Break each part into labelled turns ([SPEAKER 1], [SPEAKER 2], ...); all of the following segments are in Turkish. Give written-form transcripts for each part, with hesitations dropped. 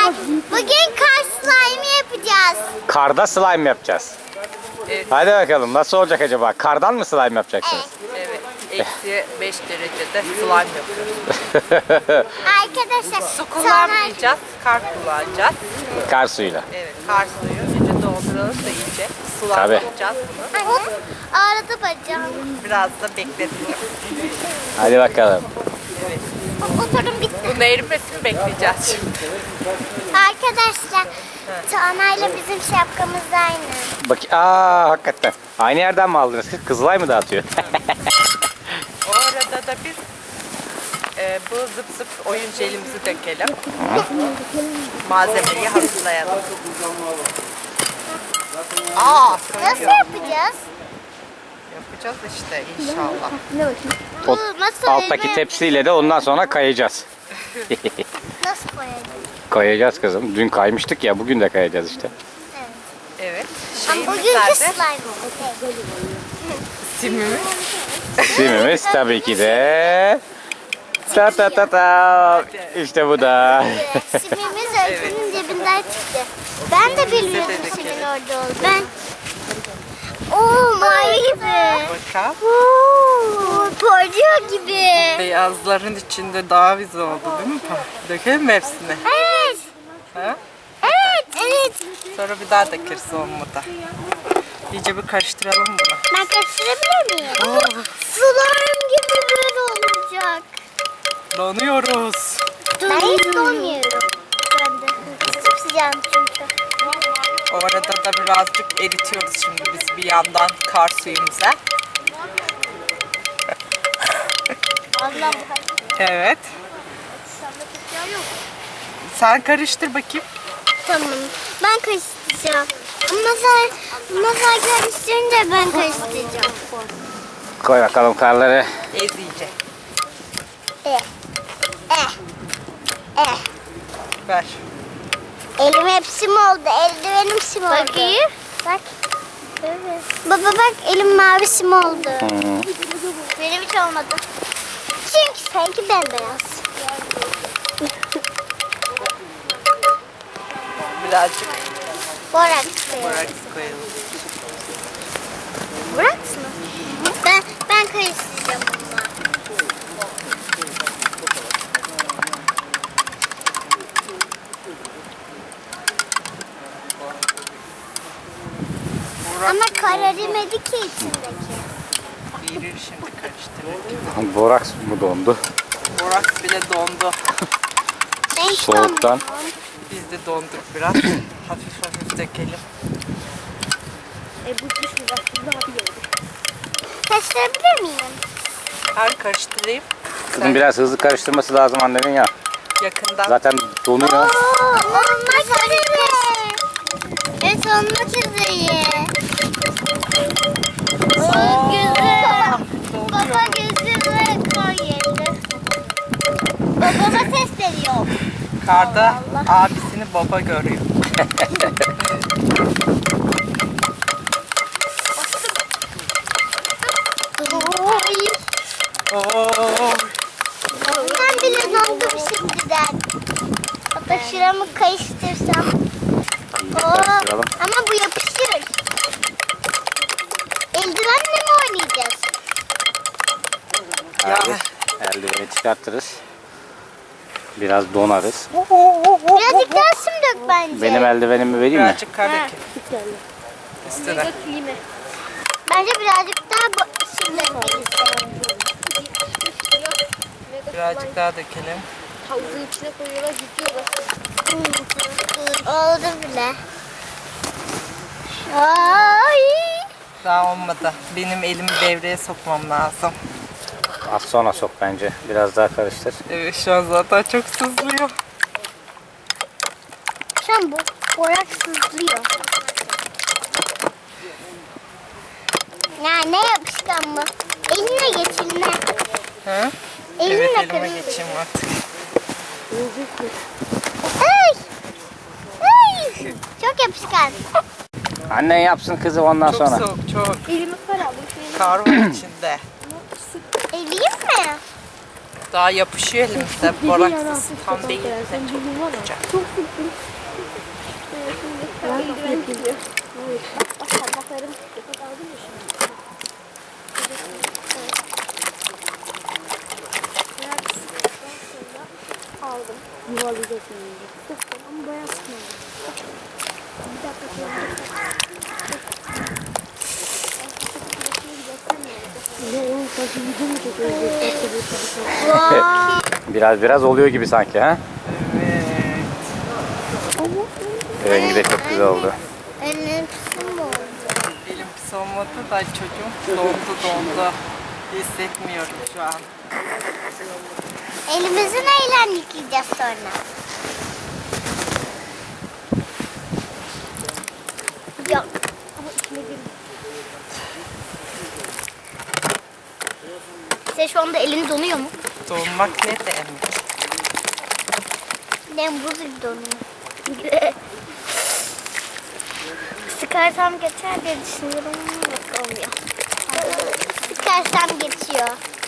[SPEAKER 1] Arkadaşlar bugün kar slime yapacağız.
[SPEAKER 2] Karda slime yapacağız.
[SPEAKER 3] Evet.
[SPEAKER 2] Hadi bakalım nasıl olacak acaba? Kardan mı slime yapacaksınız?
[SPEAKER 3] Evet. Eksi 5 derecede slime yapıyoruz.
[SPEAKER 1] Arkadaşlar
[SPEAKER 3] Su kullanmayacağız, kar kullanacağız.
[SPEAKER 2] Kar suyuyla.
[SPEAKER 3] Evet, kar suyu. İyice dolduralım da iyice
[SPEAKER 2] Tabii.
[SPEAKER 3] sulandıracağız bunu.
[SPEAKER 1] Anne ağrıdı bacağım.
[SPEAKER 3] Biraz da bekletelim.
[SPEAKER 2] Hadi bakalım.
[SPEAKER 3] Evet.
[SPEAKER 1] Oturum bitti.
[SPEAKER 3] Bunun erimesini bekleyeceğiz şimdi.
[SPEAKER 1] Arkadaşlar Tuana'yla bizim şapkamız aynı.
[SPEAKER 2] Bak, hakikaten. Aynı yerden mi aldınız? Kızılay mı dağıtıyor?
[SPEAKER 3] O arada da biz bu zıp zıp oyun jelimizi dökelim. Malzemeyi hazırlayalım.
[SPEAKER 1] Nasıl yapacağız?
[SPEAKER 3] Yapacağız işte inşallah.
[SPEAKER 2] O
[SPEAKER 1] nasıl
[SPEAKER 2] alttaki
[SPEAKER 1] öyle?
[SPEAKER 2] tepsiyle de ondan sonra kayacağız.
[SPEAKER 1] Nasıl koyalım?
[SPEAKER 2] Kayacağız kızım. Dün kaymıştık ya, bugün de kayacağız işte.
[SPEAKER 3] Evet.
[SPEAKER 1] Ama
[SPEAKER 3] Şeyimiz
[SPEAKER 1] bugünkü
[SPEAKER 3] nerede?
[SPEAKER 1] slime oldu.
[SPEAKER 3] Simimiz.
[SPEAKER 2] Simimiz tabii ki de. Ta ta ta ta. İşte bu da.
[SPEAKER 1] Simimiz Öykü'nün cebinden çıktı. Ben de bilmiyordum simin orada olduğunu. Ben... Oo mavi gibi.
[SPEAKER 3] Bakalım.
[SPEAKER 1] Oo, parlıyor gibi.
[SPEAKER 3] Beyazların içinde daha güzel oldu değil mi? Dökelim mi hepsini?
[SPEAKER 1] Evet.
[SPEAKER 3] Ha?
[SPEAKER 1] Evet. Evet.
[SPEAKER 3] Sonra bir daha dökeriz olmadı. İyice bir karıştıralım bunu.
[SPEAKER 1] Ben karıştırabilir miyim? Slime gibi böyle olacak.
[SPEAKER 3] Donuyoruz.
[SPEAKER 1] Ben hiç donmuyorum. Ben de. Sıcağım çünkü.
[SPEAKER 3] O arada da birazcık eritiyoruz şimdi biz bir yandan kar suyumuza.
[SPEAKER 1] Allah'ım.
[SPEAKER 3] Evet. Sen karıştır bakayım.
[SPEAKER 1] Tamam. Ben karıştıracağım. Masal karıştırınca ben karıştıracağım.
[SPEAKER 2] Koy bakalım karları.
[SPEAKER 3] Ez iyice.
[SPEAKER 1] Eh.
[SPEAKER 3] Ver.
[SPEAKER 1] Elim hepsi mi oldu? Eldivenim sim oldu. Bakayım. Bak. Evet. Baba bak elim mavi sim oldu. Benim hiç olmadı. Çünkü sanki bembeyaz.
[SPEAKER 3] Birazcık
[SPEAKER 1] Boraks.
[SPEAKER 3] boraks koyalım.
[SPEAKER 1] Boraks mı? Ben karıştıracağım bununla. Ama kararimedi ki içindeki.
[SPEAKER 3] Erir şimdi karıştırırken.
[SPEAKER 2] Boraks mı dondu?
[SPEAKER 3] Boraks bile dondu.
[SPEAKER 1] Ben hiç
[SPEAKER 2] Soğuktan.
[SPEAKER 1] donmadım.
[SPEAKER 3] Biz de donduk biraz. Hafif hafif dökelim.
[SPEAKER 1] Karıştırabilir miyim?
[SPEAKER 3] Her karıştırayım.
[SPEAKER 2] Kızım biraz hızlı karıştırması lazım annemin ya.
[SPEAKER 3] Yakından.
[SPEAKER 2] Zaten donuyor.
[SPEAKER 1] Olmak üzere. Evet olmak üzere. Güzel. Baba gözüme koy yedi. Babama ses veriyor.
[SPEAKER 3] Karda abisini baba görüyor. Oo.
[SPEAKER 1] Ben bile dondum şimdiden. Hatta şuramı karıştırsam.
[SPEAKER 2] Karıştıralım.
[SPEAKER 1] Ama bu yapışır. Eldivenle mi oynayacağız?
[SPEAKER 2] Hadi eldiveni çıkartırız. Biraz donarız.
[SPEAKER 1] Birazcık daha sim dök bence.
[SPEAKER 2] Benim eldivenimi vereyim mi?
[SPEAKER 3] Birazcık kar dökelim. Üstüne.
[SPEAKER 1] Bence birazcık daha sim dökmeliyiz.
[SPEAKER 3] Birazcık daha dökelim.
[SPEAKER 4] Havuzun içine koyuyorlar, gidiyorlar.
[SPEAKER 1] Oldu bile. Ay.
[SPEAKER 3] Daha olmadı. Benim elimi devreye sokmam lazım.
[SPEAKER 2] Az sonra sok bence. Biraz daha karıştır.
[SPEAKER 3] Evet şu an zaten çok sızlıyor.
[SPEAKER 1] Şu an bu borak sızlıyor. Ya ne yapışkan mı? Eline geç eline.
[SPEAKER 3] Hı?
[SPEAKER 1] Elinle
[SPEAKER 3] Evet elime
[SPEAKER 1] karıştır.
[SPEAKER 3] geçeyim artık.
[SPEAKER 1] Ay. Ay. Çok yapışkan.
[SPEAKER 2] Annen yapsın kızım ondan
[SPEAKER 3] Çok
[SPEAKER 2] sonra.
[SPEAKER 3] soğuk çok.
[SPEAKER 4] Elimi kar aldım.
[SPEAKER 3] Kar var içinde.
[SPEAKER 1] Eleyim mi?
[SPEAKER 3] Daha yapışıyor elimizde. Boraksız tam değil de çok sıcak.
[SPEAKER 4] Parmaklarım aldın mı şimdi? Aldım. Yuvarlayacak şimdi. Ama bayağı sıkmadım. Bir dakika
[SPEAKER 2] Biraz oluyor gibi sanki ha?
[SPEAKER 3] Evet.
[SPEAKER 2] Rengi de çok güzel oldu.
[SPEAKER 1] Elim pisi mi oldu?
[SPEAKER 3] Elim pis olmadı da çocuğum dondu. Hissetmiyorum şu an.
[SPEAKER 1] Elimizi neyle yıkayacağız sonra? Yok. Sen şu anda elin donuyor mu?
[SPEAKER 3] Donmak ne demek?
[SPEAKER 1] Ben buz gibi donuyor. Sıkarsam geçer diye düşünüyorum. Yok, olmuyor. Sıkarsam geçiyor.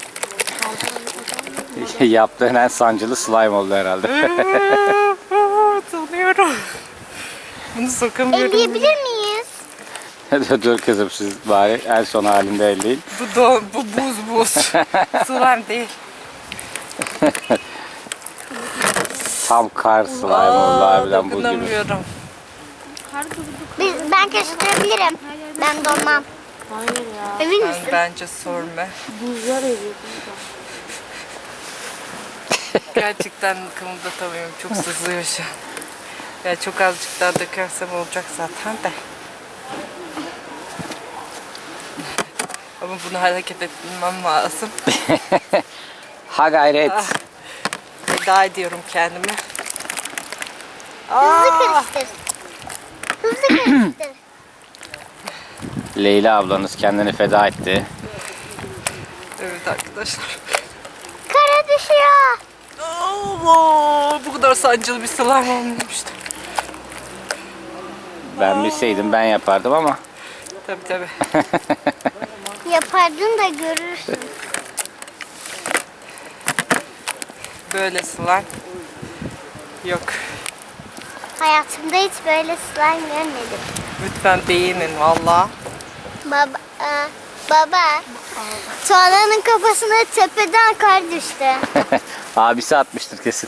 [SPEAKER 2] Yaptığın en sancılı slime oldu herhalde.
[SPEAKER 3] Donuyorum. Bunu sokamıyorum.
[SPEAKER 1] Elleyebilir miyiz?
[SPEAKER 2] Dur kızım siz bari en son halinde elleyin.
[SPEAKER 3] Bu buz. Slime değil.
[SPEAKER 2] Tam kar slime oldu harbiden buz gibi.
[SPEAKER 3] Dokunamıyorum.
[SPEAKER 1] Ben karıştırabilirim. Ben donmam.
[SPEAKER 4] Hayır ya.
[SPEAKER 1] Emin misin?
[SPEAKER 3] Bence sorma.
[SPEAKER 4] Buzlar eriyor.
[SPEAKER 3] Gerçekten kımıldatamıyorum. Çok sızlıyor şu an. Ya çok azıcık daha dökersem olacak zaten de. Ama bunu hareket etmem lazım.
[SPEAKER 2] Ha gayret.
[SPEAKER 3] Veda ediyorum kendime.
[SPEAKER 1] Hızlı karıştır. Hızlı karıştır.
[SPEAKER 2] Leyla ablanız kendini feda etti.
[SPEAKER 3] Evet arkadaşlar.
[SPEAKER 1] Kara düşüyor.
[SPEAKER 3] Allah! Bu kadar sancılı bir slime olmamıştı.
[SPEAKER 2] Ben bilseydim ben yapardım ama.
[SPEAKER 3] Tabii.
[SPEAKER 1] Yapardın da görürsün.
[SPEAKER 3] Böyle slime yok.
[SPEAKER 1] Hayatımda hiç böyle slime görmedim.
[SPEAKER 3] Lütfen beğenin valla.
[SPEAKER 1] Baba. Tuana'nın kafasına tepeden kar düştü.
[SPEAKER 2] Abisi atmıştır kesin.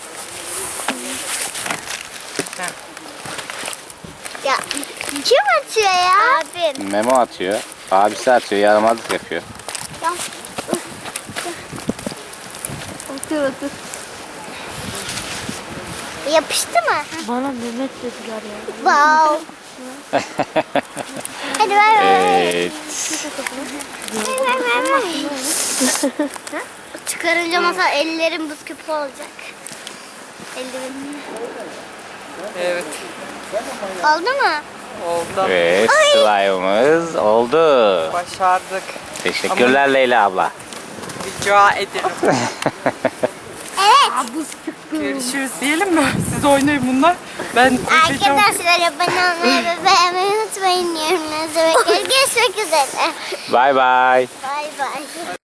[SPEAKER 1] Ya kim atıyor ya? Abim.
[SPEAKER 2] Memo atıyor. Abisi atıyor. Yaramazlık yapıyor.
[SPEAKER 1] Ya,
[SPEAKER 4] Otur.
[SPEAKER 1] yapıştı mı?
[SPEAKER 4] Bana Mehmet dediler ya.
[SPEAKER 1] Wow. Hadi ver.
[SPEAKER 2] Evet.
[SPEAKER 1] Çıkarınca masa ellerim buz küpü olacak. Ellerim.
[SPEAKER 3] Evet.
[SPEAKER 1] Oldu mu?
[SPEAKER 3] Oldu.
[SPEAKER 2] Evet slime'ımız oldu.
[SPEAKER 3] Başardık.
[SPEAKER 2] Teşekkürler Leyla abla.
[SPEAKER 3] Rica ederim.
[SPEAKER 1] Evet.
[SPEAKER 3] Görüşürüz diyelim mi? Siz oynayın bunlar. Ben koşacağım.
[SPEAKER 1] Arkadaşlar abone olmayı ve beğenmeyi unutmayın. Yorumlarınızı bekleriz. Görüşmek üzere.
[SPEAKER 2] Bye bye.
[SPEAKER 1] Bay bay.